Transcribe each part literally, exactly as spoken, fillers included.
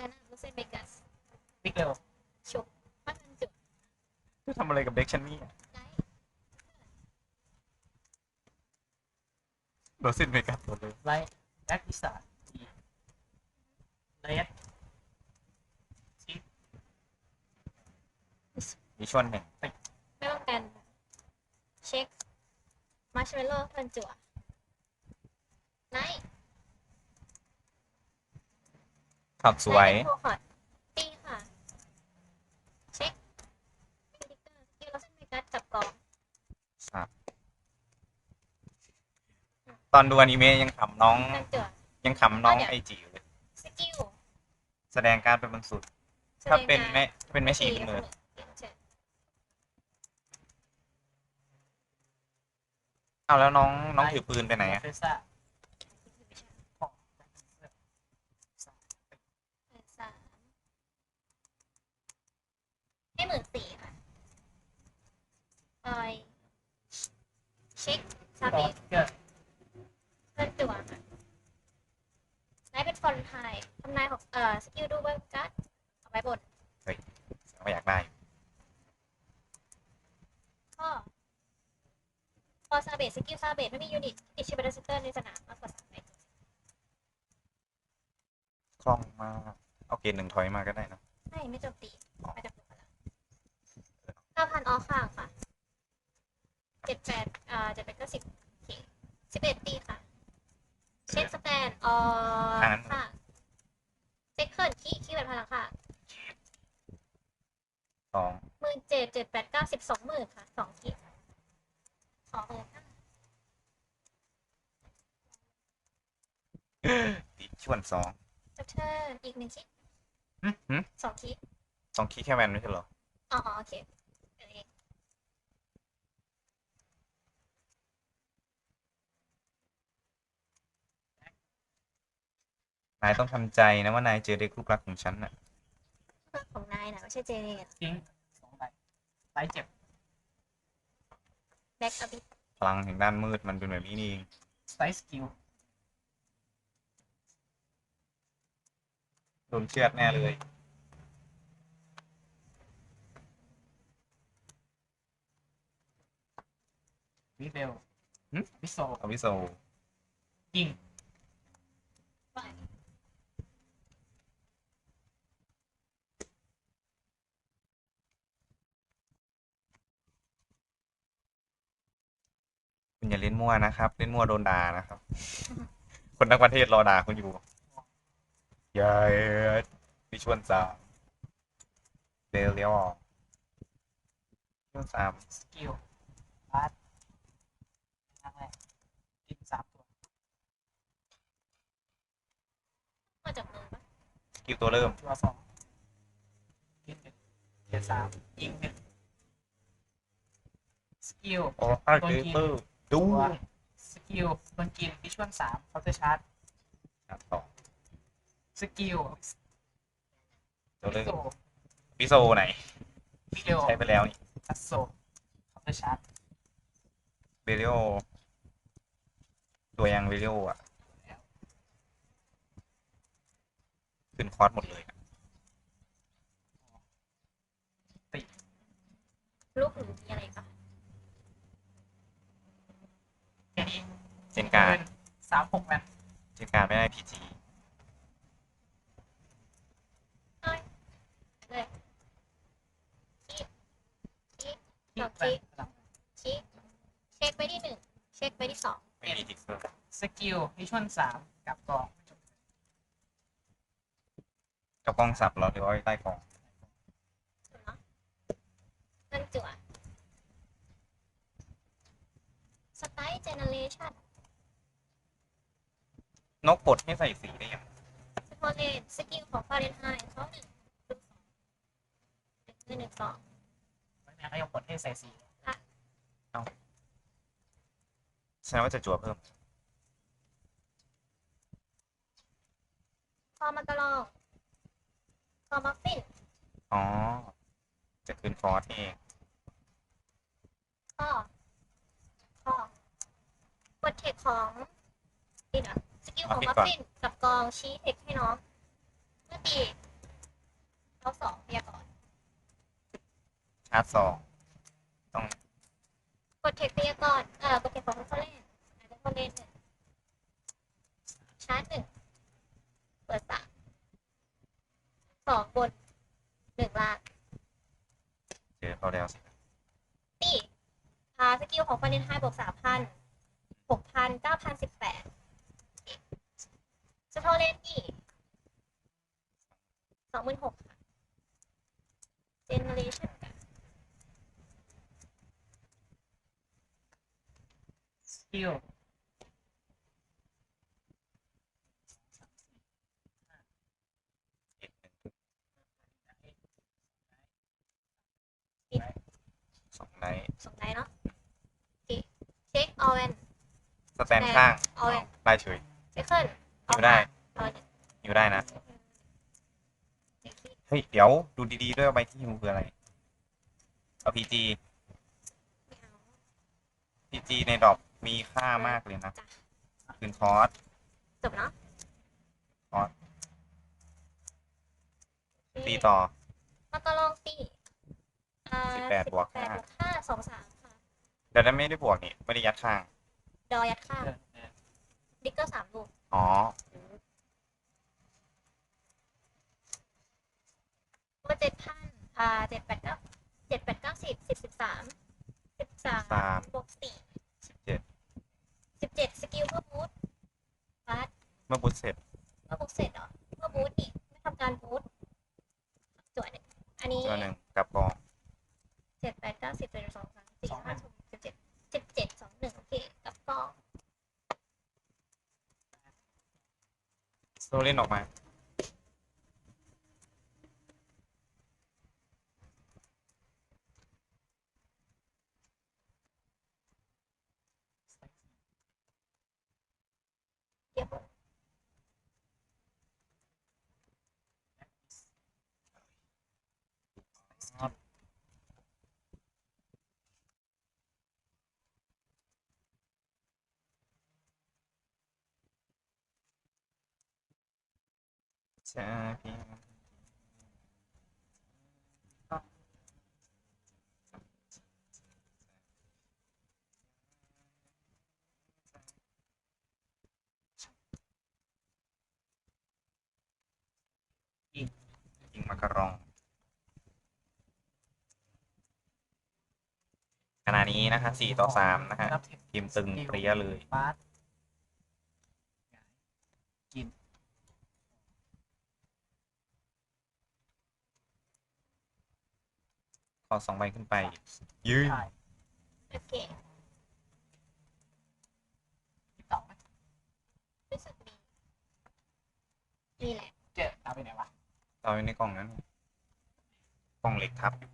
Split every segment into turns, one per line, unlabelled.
นั้นลูเซนเบกัส
ติ๊กเร็ว
ชุบมาทันจุด
จะทำอะไรกับเด็กฉันนี่
ไลท์
โดนสิ้นไปกับหมดเลย
ไลท์แบ็กพิซซ่าทีเลสชิป
มีช่วงหนึ่ง
ไม่ป้องกันเช็คมาร์ชเมลโล่ทันจุดไลท์
ขับสวย
โคคอร์ดตีค่ะเช็คมินิเกอร์สกิลลูเซนเบกัสจับกอง
ครับตอนดูอนิเมะยังขำน้อง
ทันจุด
ยังขำน้องไอจิอยู่เลย
สกิล
แสดงการเป็นบางสุด ถ้าเป็นแม่เป็นแม่ชีเป็นมือเอาแล้วน้องน้องถือปืนไปไหนอะ
เฟซ่าของ
สามให้หมื่นสี่ค่ะออยเช็คซา
ต่อ
เบต
เกิด
เพื่อนจั่วค่ะไลท์เป็นฟอนไทยทำนายของเอ่อสกิลดูเบิร์กัสเอาไว้บน
ไม่อยากได้
ข้อพอซาเบตสกิลซาเบตไม่มียูนิตติดชิบาร์เซนเตอร์ในสนามมากกว่าสามใบ
คล่องมากเอาเกณฑ์หนึ่งถอยมาก็ได้นะ
ไม่ไม่โจมตีไม่จำเป็นแล้วเก้าพันออข้างค่ะเจ็ดแปดอ่าเจ็ดแปดก็สิบสิบเอ็ดตีค่ะเช็คสแตนออค่ะเซ็คเคิลคีคีแบบพลังค่ะ
สอง
หมื่นเจ็ดเจ็ดแปดเก้าสิบสองหมื่นค่ะสองคีสองหมื่นห้า
ติดชวนสอง
จับเทิร์นอีกหนึ่งคี
หืมหืม
สองคี
สองคีแค่แวนไม่ใช่เหรอ
อ๋อโอเคเอง
นายต้องทำใจนะว่านายเจอเด็กลูกรักของฉันน่ะ
ของนายนะไม่ใช่เจเนต
ทิ้งสองใบไลท์เจ็บ
แบ็กอบิท
พลังแห่งด้านมืดมันเป็นแบบนี้นี่เอง
ไซส์สกิล
โดนเชือดแน่เลย
วิเบลวิโซ
อวิโซ
ยิง
คุณอย่าเล่นมั่วนะครับเล่นมั่วโดนด่านะครับ คนทั้งประเทศรอด่าคุณอยู่ยายดิชวนสามเดลเลียวชวนสาม
สกิลบาสนั่งแรกกินสามตัว
มาจากมือปะ
สกิลตัวเริ่ม
ตัวสองกินหนึ่งเกียร์สามยิงหนึ่งสกิล
โอ้อาร์เกเตอร์ดู
สกิลโดนกินดิชวนสามเคาน์เตอร์ชาร์จ
สอง
สกิล
ตัวเริ่ม
โซ
วิโซไหน
วิเดโอ
ใช้ไปแล้วนี่
อัสโซเคาน์เตอร์ชาร์จ
เบลิโอตัวยังเบลิโออ่ะขึ้นคอร์สหมดเลย
ติด
ลูกหรือมีอะไรปะ
แค่นี้
เจนการ
สามหกแมน
เจนการไม่ได้พีจี
เลยคีคีสองคีคีเช็คไปที่หนึ่งเช็คไปที่สอง
ไม่มีทิกเกอร์
สกิลดิชวนสามกับกอง
กับกล้องสับเราหรือว่าใต้กล้อง
นั่นจั่วสไตล์เจเนเรชั่น
นกปลดให้ใส่สีได้ยัง
สปอร์เลนสกิลของฟาเรนไฮต์เขาหนึ่งหนึ่งสองหนึ่งหนึ่งสอง
ไม่แม้ก็ยังกดให้ใส่สี
เอาแสดงว่าจะจั่วเพิ่ม
คอมากระลองคอมัฟฟิน
อ๋อจะคืนฟอร์สเอง
ข้อข้อกดเทคของดินอ่ะสกิลของมัฟฟินกับกองชี้เทคให้น้องเมื่อตี
าร์จสองต้อง
กดเทคเตียก่อนเออกดเทคของเขาเล่นอาจจะเขาเล่นหนึ่งชาร์จหนึ่งเปิดสามสองบนหนึ่งล่าง
เจอเขาแล้ว
นี่พาสกิลของฟาเรนไฮต์บวกสามพันหกพันเก้าพันสิบแปดสโตเลนนี่สองหมื่นหกค่ะเจเนเรชั่นกัน
สกิล
สองไนท์
สองได้เนาะโอเคเช็คออเวน
สแตนข้าง
เอาเลย
ได้เฉย
เซคเคิล
อยู่ได้
เอาหนึ่ง
อยู่ได้นะ
เด็กที่
เฮ้ย เดี๋ยวดูดีๆด้วยว่าใบที่ฮิวคืออะไร เอาพีจี
ไม่เอา
พีจีในดอกมีค่ามากเลยนะ
จ้ะ
คืนคอร์ส
จบเนาะ
คอร์ส
โอเค
ตีต่อ
มาตอลองตีอ่า
สิบแปดบวก
สิแปด
ห้า
บวกห้าสองสามค่ะ
แต่นั้นไม่ได้บวกนี่ ไม่ได้ยัดข้าง
ดอยัดข้างดิกเกอร์สามลูก
อ๋อ
มาเจ็ดพันอ่าเจ็ดแปดเก้าเจ็ดแปดเก้าสิบสิบสิบสามสิบสาม
สาม
บวกสี่
สิบเจ็ด
สิบเจ็ดสกิลเพื่อบูทบาส
เมื่อบุตเสร็จ
เมื่อบูทเสร็จเหรอเมื่อบูทนี่ไม่ทำการบูทจวดเนี่ยอันนี้
ตัวหนึ่งกับกอง
เจ็ดแปดเก้าสิบเจ็ดสองสามสี่ห้าหกสิบเจ็ดสิบเจ็ดสองหนึ่งโอเคกับกอง
โซเล่นออกมา
เดี๋ยว
ใช่พี่ยิงมากระรอง ขณะนี้นะคะสี่ต่อสามนะฮะ
รับเทค
ทีมตึงเปรี้ยเลย
บาสกิน
ขอสองใบขึ้นไป ยืน
ได้
โอเค
ติดต่อไหม
รู้สึกดีนี่แหละ
เจ๊เอาไปไหนวะ
ต่อไปในกล่องนั้น กล่องเหล็กทับอยู่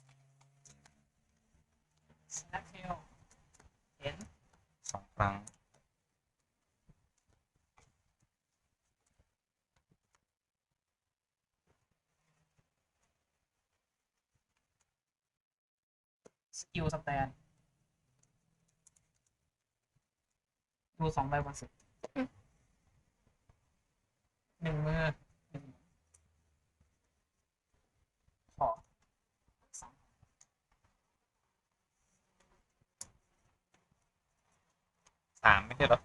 สแนปเทลเห็น
สองครั้ง
สกิลสแตนดูสองใบบนสุดหนึ่งมือหนึ่งขอสอง
สามไม่ใช่เหรอ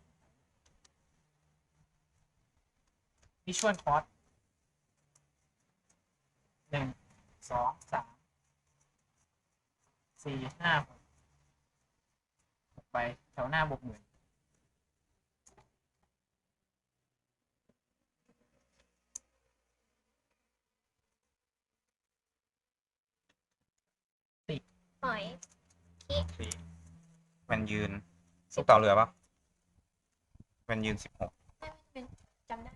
วิชวลคอร์สหนึ่งสองสามสี่ห้าหกหกไปแถวหน้าบวกหมื่น
ปล่อยคี
สี่แมันยืนลูกเต่าเรือปะแมันยืนสิบหก
ไม่ไม่เป็นจำได้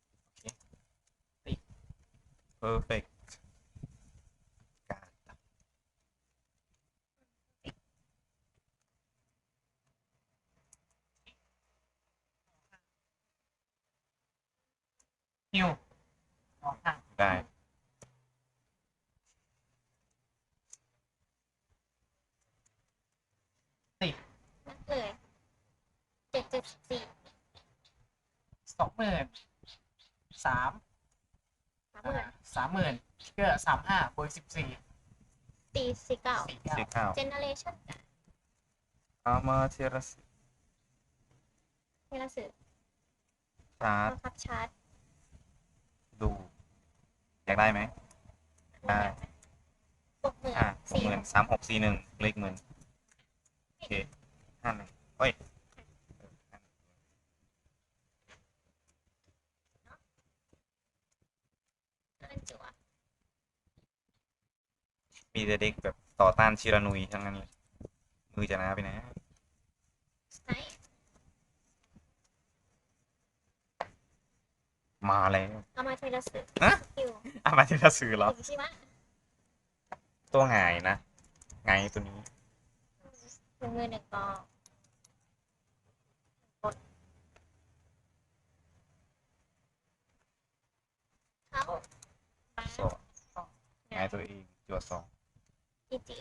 เพอร์เฟกการ
ฮิวออกห่าง
ได้
นักเลยเจ็ดเจ็ดสี่
สองหมื่นสาม
สามหมื่น
สามหมื่นก็สามห้าบวกสิบสี่
ตีสี่เก้า
สี่เก้า
สี่เก้า
เจเนเรชั่นกัน
เอามาเทรัส
เทราสึ
ชาร์จ
บังคับชาร์จ
ดู อยากได้ไหม ได้
หกหมื่น
อ่ะหก
สี่
หมื่นสามหกสี่หนึ่งเลขหมื่นโอเคห้าหนึ่งเอ้ย
เล่นจั่ว
มีแต่เด็กแบบต่อต้านชิรานุยทั้งนั้นเลยมือจะหนาไปนะ
สไนป์
มาแล้ว
เอามาเทราสึ
ฮะ
สกิล
อามาเทรัสซื้อเหรอ
ถึงชิมะ
ตัวหงายนะหงายตัวนี้
หนึ่งมือหนึ่งกองกดเข้าไป
สองหงายตัวเองจัวสอง
จีจี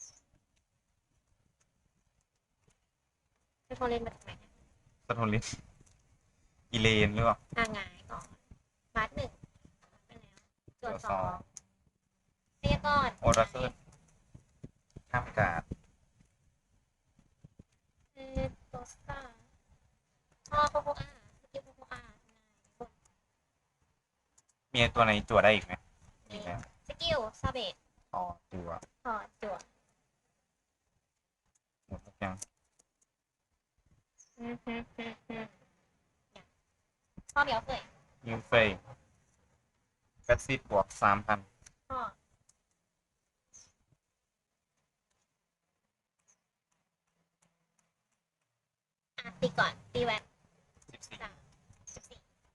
ไปพอเล่นมาจากไหนเนี่ย
สะทนลิ้นอีเลนหรือเปล่า
อ่างหงายก่อนบาสหนึ่งไปแล้วจวด
จวด
ส
ส
อ
อง
งเรียกก่อน
โอราเคิลห้ามการ์ด
เออโตสตาร์พ่อโคโคอาสกิลโคโคอา
มีตัวไหนจัวได้อีกไหมอีกแล้ว
สกิลซาเบต
อ๋อจัว
ถอดจวด
หมดทุกอย่าง
อืมฮึฮึฮึเนี่ยพ่อเดี๋ยวเผย
ยูเฟย์แฟตซิดบวกสามพัน
พ่ออ่ะตีก่อนตีแวน
สิบสี่
สามสิบสี่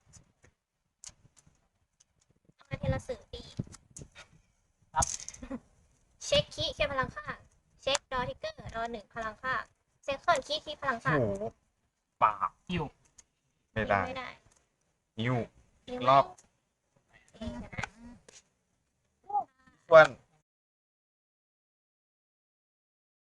เอามาเทละสื่อตี
ครับ
เช็คคีย์แค่พลังข้างเช็คดอทิกเกอร์ดอหนึ่งพลังข้างเซคเคิลคีย์คีย์พลังข้าง
โอ้โหปาก
ฮิว
ไม่ได้
ไม่ได้
นิ้ว
ยิง
รอบ
เองนะ
ส่วน